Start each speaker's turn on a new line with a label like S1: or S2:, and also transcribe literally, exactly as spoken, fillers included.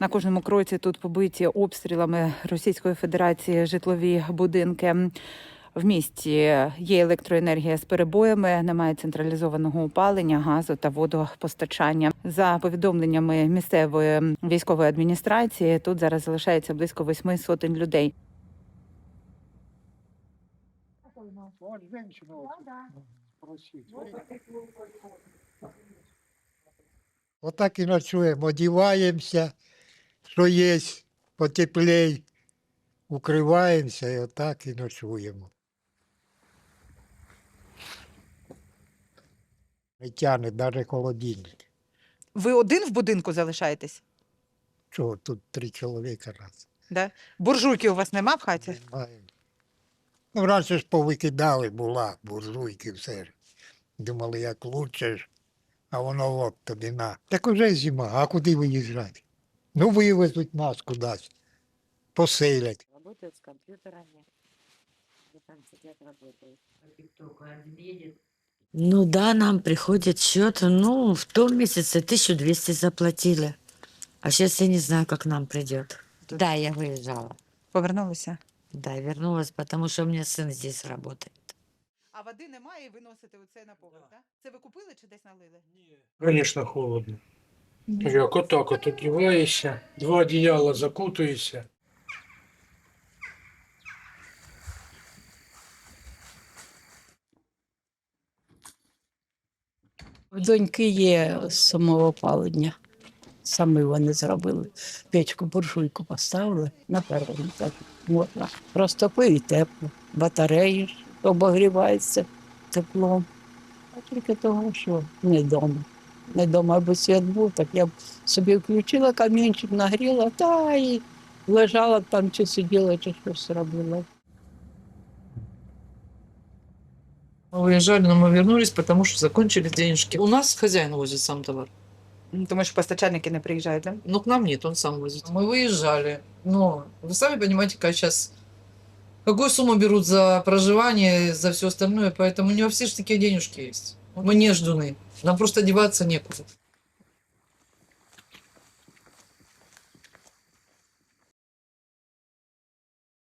S1: На кожному кроці тут побиті обстрілами Російської Федерації житлові будинки. В місті є електроенергія з перебоями, немає централізованого опалення, газу та водопостачання. За повідомленнями місцевої військової адміністрації, тут зараз залишається близько восьми сотень людей.
S2: Отак і ночуємо, одіваємося, що є, потеплей, укриваємося і отак і ночуємо. Не тягне навіть холодильник.
S3: Ви один в будинку залишаєтесь?
S2: Чого, тут три чоловіка раз.
S3: Да? Буржуйки у вас нема в хаті?
S2: Немає. Ну, раніше ж повикидали, була буржуйки, все. Думали, як лучше ж, а воно от тобі на. Так уже зима, а куди виїжджати? Ну, вивезуть нас кудись, поселять.
S4: Работают с компьютерами. Они там сидят, работают. Ну да, нам приходит счет. Ну, в том месяце тысячу двести заплатили. А сейчас я не знаю, как нам придет. Да, я выезжала.
S3: Повернулися.
S4: Да, вернулась, потому что у меня сын здесь работает.
S3: А води немає і ви носите оце на поверх, так? Це ви купили чи десь налили?
S5: Конечно, холодно. Як отак от одіваєшся, два одіяла закутуєшся.
S6: В доньки є самоопалення. Самі вони зробили. Печку, буржуйку поставили на першому етажі. Можна. Розтопив і тепло. Батареї ж обогріваються теплом. А тільки того, що не вдома. Не вдома, аби світ був, так я б собі включила камінчик, нагріла, та і лежала б там, чи сиділа, чи щось робила.
S7: Мы уезжали, но мы вернулись, потому что закончились денежки. У нас хозяин возит сам товар,
S3: Тому що постачальники не приїжджають, так?
S7: но к нам нет, он сам возит. Мы выезжали, но вы сами понимаете, как сейчас, какую сумму берут за проживание, за все остальное, поэтому не во все же такие денежки есть. Мы не ждуны, нам просто деваться некуда.